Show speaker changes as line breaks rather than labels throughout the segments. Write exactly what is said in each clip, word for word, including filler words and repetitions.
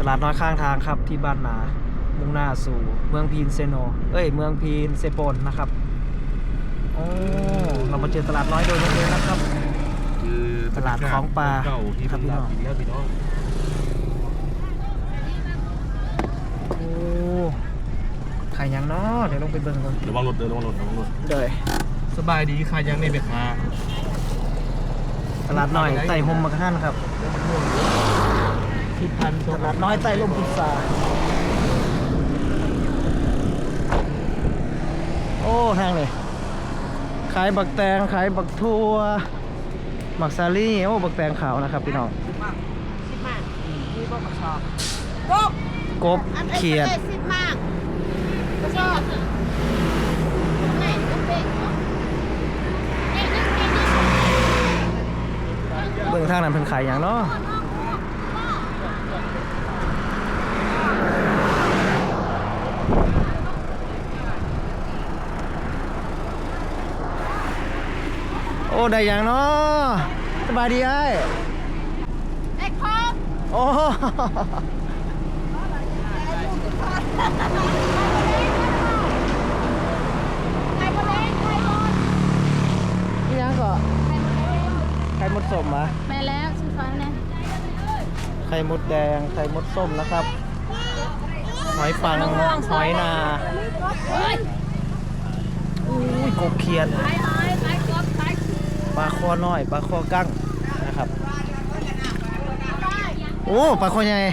ตลาดน้อยข้างทางครับที่บ้านนามุ่งหน้าสู่เมืองพีนเซโนเอ้ยเมืองพีนเซโปนนะครับโอ้เรามาเจอตลาดน้อยโดยบังเอิญนะครับ
คือ
ตลาดของปลา
เก่าที่
ครับพี่น้อง
กินแล้วพี่น้อง
โอ้ขายยังเนาะเดี๋ยวลงไปเบิ่งก่อน
ระวังรถเดินระวังรถระวังรถ
เดย
สบายดีค่ะยังในเบคา
ตลาดน้อยไต่หมมากระทันครับ
ที่พัน
ตลาดน้อยไต่ลมพุทราโอ้ทางเลยขายบักแตงขายบักทั่วหมักซาลี่โอ้บักแตงขาวนะครับพี่น้อง
สิบบาทมีบ่มาชอบกบ
กบเขียด
สิบบาทมาชอบไหนก็เป็นเนาะ
เบื้องทางนั้นเพิ่นขายอย่างเนาะโอ้ได้อย่างเนาะสบายดีไอ้
ไอ้คอม
โอ้นี่ยังก็ไข่มดส้มมะ
ไปแล้วซื้อฟันนะ
ไข่มดแดงไข่มดส้มนะครับหอยปังหอยนาอุ้ยกบเขียด
ไปหอยไปกบไป
ปลาคอน้อยปลาคอกั้งนะครับโอ้ปลาคอใหญ่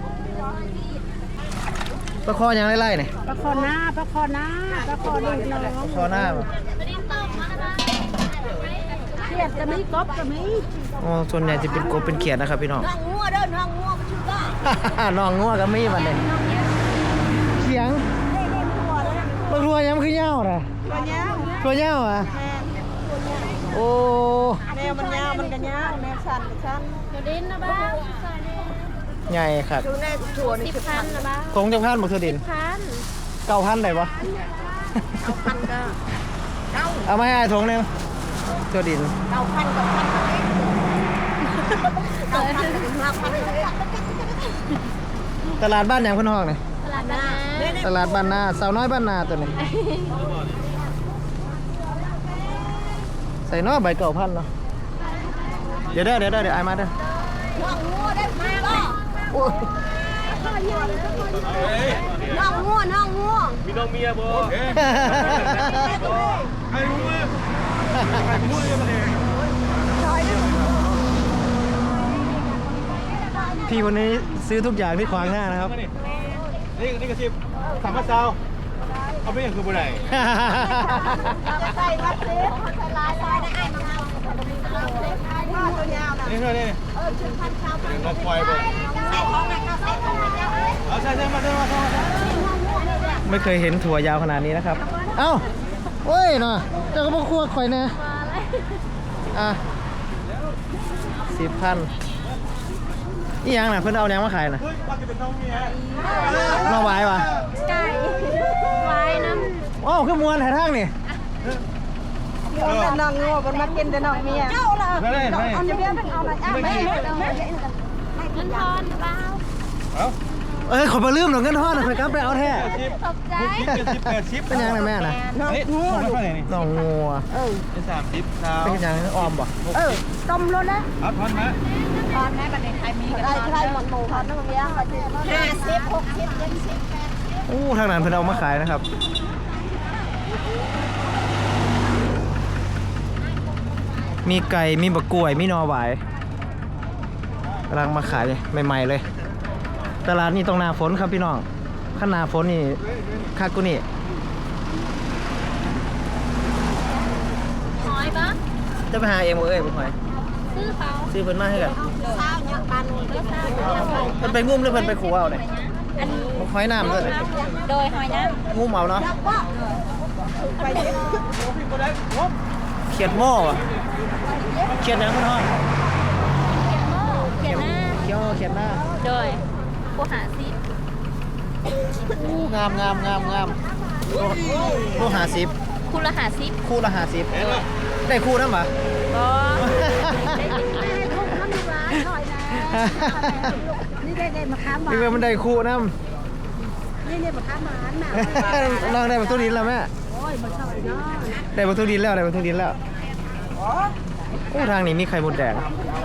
ปลาคอยังไล่ๆเนี่ย
ปลาคอหน้าปลาคอหน้าปลาคอลูกน้อง
ปลาคอหน้าบ่
เขียดก็มีกบก็มี
อ๋อส่วนใหญ่จะเป็นกบเป็นเขียดนะครับพี่น้อง
น้องงัวเด้อน้องงัวมันชื่อได้
น้องงัวก็มีมันเลยเสียงปลาทัวยังคือเงาน่ะ
ตัวเนี้ย
ตัวเงาอ่ะ
แม่
โอ้
แมวมันยาวมันก็ยาวแมวสั้นก็สั้นตัวดินนะบ้า
ใหญ่ครับ
ดูแน่ถั่วนี่สิบพันนะบ้า
ทงจะพันบ่คือดิน
พัน
เก้าพันได้ปะ
เอาพันก็เก้า
เอามาให้ทงหนึงตัวดิน
เก้าพันเก้าพันเก้าพันถึงห้าพัน
ตลาดบ้านอย่างเพิ่นห้องนี่
ตลาดนา
ตลาดบ้านนาสาวน้อยบ้านนาตัวนี้ใส่เนาะใบเก่าพันเนาะเดี๋ยวเด้อเดี๋ยวเด้อเดี๋ยวไอ้มาเด้อ
น้องงัวได้มาบ่
โอ้ย
น้องงัวน้องงัว
มีน้องเมียบ่ใครรู้มือใครรู้มือยังมาเลย
พี่คนนี้ซื้อทุกอย่างที่ขวางหน้านะครับ
นี่นี่กระชิบสามพันเซาเอาไปอย่างคือบ่ได้
จะใส่วัดเล็กใส่ลายลายได้ไอ้มาเอาผ้าตัวยาวนะ
นี่เท่านี้
เออชุดพันเช้าพัน
เราควายบ่
ใส่ของไหนก็ใส่ของไหนก็
เอาใช่ใช่มาใช่มาใช่มา
ไม่เคยเห็นถั่วยาวขนาดนี้นะครับ เอ้าโอ้ยเนาะเจ้าก็บอกคั่วข่อยนะอ่ะสิบพันนี่ยังน่ะเพิ่นเอายังมาขายน่ะ
เฮ้ยว่าจะเป็นน้องเมีย
มาไว้ปะ
ไก่ไว้น้
อ้าวคือมวนหาทางนี่
ำแต่น้องงัวมันมากินแต่น้องเมียเจ้าล่ะ
ไม่ได้ไม่
เอาเมียเป็นเอาอะไรอ่ะแม่เงินทอนเปล่า
เอา
เอ้ยขอมาลืมหน่อยเงินทอดหน่อยข่อยกลับไปเอาแท้
ชิป
ตกใจ
เจ็ดสิบแปดสิบ
เป็นยังไงแม่น่ะ
น้อง
เฮ้ย
งัว
เท่าไหร่นี่
น้องงัว
เออ
เป็นสามสิบสาว
เป็นยังออมบ่
เออต้มรถนะ
เอาทอนมา
ตอนแม่ประเด็นใครมีกันใครหมดหมูเขาต้องเลี้ยงห้าสิบหกสิบเจ็ดสิบแปดสิบ
อู้ทางนั้นเพิ่นเอามาขายนะครับ มีไก่มีบะกล้วยมีหนอหวายกำลังมาขายเลยใหม่ๆเลย ตลาดนี้ต้องหนาฝนครับพี่น้องข้าหนาฝนนี่คักกูนี่
หอยปะ
จะไปหาเองบ่เอ้ยบ่หอย
ซื้อเขา
ซื้อเพิ่นมาให้กัน
เช้าเนี่ยปลาหนุ่มก็เช้าเนี่ย
เพิ่นไปงุ้มหรือเพิ่นไปขัวเอาเนี่ย
อันนี้
บ่หอยน้ำด้วย
โดยหอยน้
งุ้มเอาเนาะ
ำไปเยอะ
เขียดหม้อว่ะเขียดหยังเพิ่นฮ้อง
เขียนหน้า
เขียวเขียดหน้า
โดยผู้หาซิ
อู้งามงามงามงามโลโลห้าสิบ
คุณละหาซิ
คู่ละห้าสิบได้คู่นำบ่
ก็ได้กินแม่ลูกน้ำร้านหน่อยนะนี่นี่ได้ได้มาค้าหวาน
นี่เป็นมันได้คู่น้
นี่เนี่ยมาค้าหวานน่ะ
ำ น้องได้บัตรทุดินแล้วแม่
โอ้ยมันเท่าไหร่เนาะ
ได้บัตรทุดินแล้วได้บัตรทุดินแล้วโอ้ทางนี้มีไข่มดแดง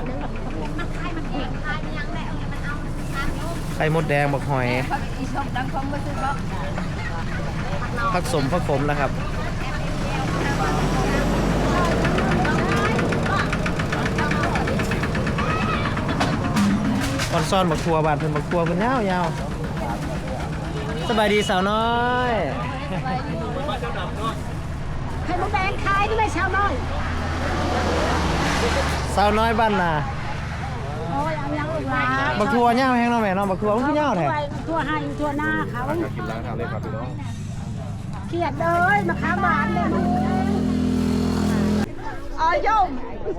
ไข่มดแดงบักหอยผักสมผักขมนะครับออนซ่อนบักทัวบานเพิ่นบักทัวเพิ่นยาวยาวสบายดีสาวน้อย
ไข่มดแดงขายที่ไม่ชาวน้อย
สาวน้อยบ้านนา
โอ้ยเอายังอีกว่า
บักทัวยาวแห้งเนาะแม่เนาะบักทัวมันคือยาวแท้
ตัวให้ตัวหน้าเขา
กินล้างทางเลยครับพี่น้อง
เขียดเลยมาค้าหวานเลยอ๋อยม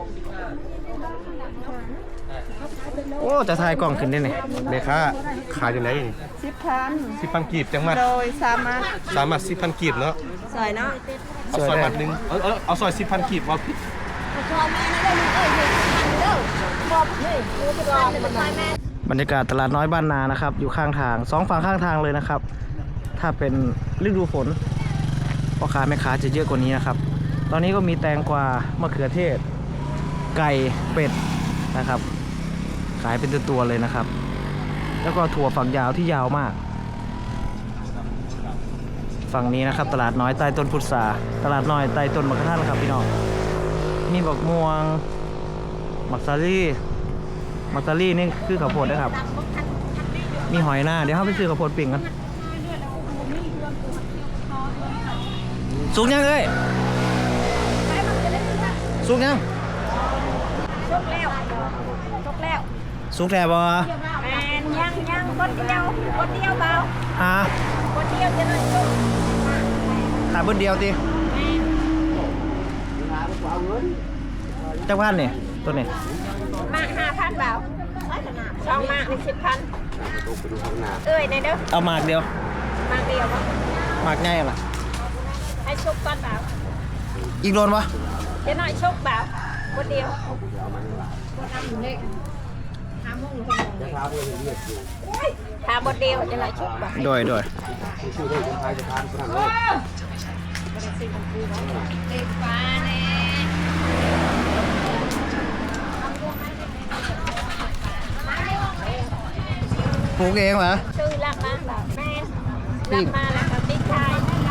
โอ้จะถ่ายกล้องขึ้นได้นี่
เมค้าขายอยู่ไหน
สิบพัน
สิบพันกีบจังมัด
โดยสามารถ
สามารถสิบพันกีบเนาะ
ใส่เนาะ
เอาซอยมัดหนึ่งเอาเอาเอาซอยสิบพันกีบว่าพี่
พอแม่นะได้ลูกเอ้ยเด้อบอกเฮ้ยกูจะรอมันไปแม่
บรรยากาศตลาดน้อยบ้านนานะครับ อยู่ข้างทางสองฝั่งข้างทางเลยนะครับ ถ้าเป็นฤดูฝนพ่อค้าแม่ค้าจะเยอะกว่านี้นะครับ ตอนนี้ก็มีแตงกวามะเขือเทศ ไก่เป็ดนะครับ ขายเป็นตัวๆเลยนะครับ แล้วก็ถั่วฝักยาวที่ยาวมาก ฝั่งนี้นะครับ ตลาดน้อยใต้ต้นพุทราตลาดน้อยใต้ต้นมะขามครับพี่น้องมีบักม่วงมักซาลี่มักซาลี่นี่คือข้าวโพดนะครับ มีหอยหน้าเดี๋ยวเขาไปซื้อข้าวโพดปิ่งกันสุกยังเอ้ยสุกยัง
ชกแล้วชกแล้ว
สุกแท้บ่
แมนยังยังคนเดียวคนเดียวเบา
ฮะ
คนเดียวจะเลยชก
ขาดเบิ้เดียวติจักพันนี่ตัวนี้
มากห้าพันเบาช่องมากในสิบพันเอ้ยในเด้อ
เอาหมากเดียว
มากเดียววะ
หมากง่ายล่ะ
ให้ชกก้อนเบา
อีกโดนวะ
เดี๋ยวหน่อยชกเบาคนเดียวทาบดเดียวจะหน่อยชกเบา
โดยโดย
เด็กฟ้าแน่
ปลูกเองเหรอ
ชื่อรักมาแบบแม่รักมาแล้วกับติ๊กชาย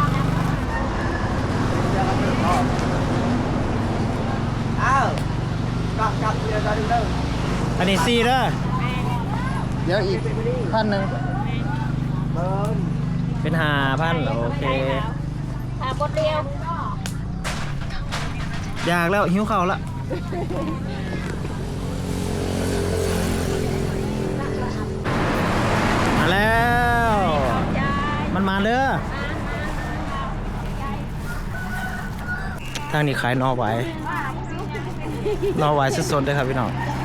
อันนี้ซีเด้อเดี๋ยวอีกพันหนึ่งเป็นห้าพันโอเค
ทาบดเดียว
อยากแล้วหิวข้าวละมาแล้ว
ยาย
มันมาเด้อทางนี้ขายนอไว้นอไว้สดๆเลยครับพี่น้อง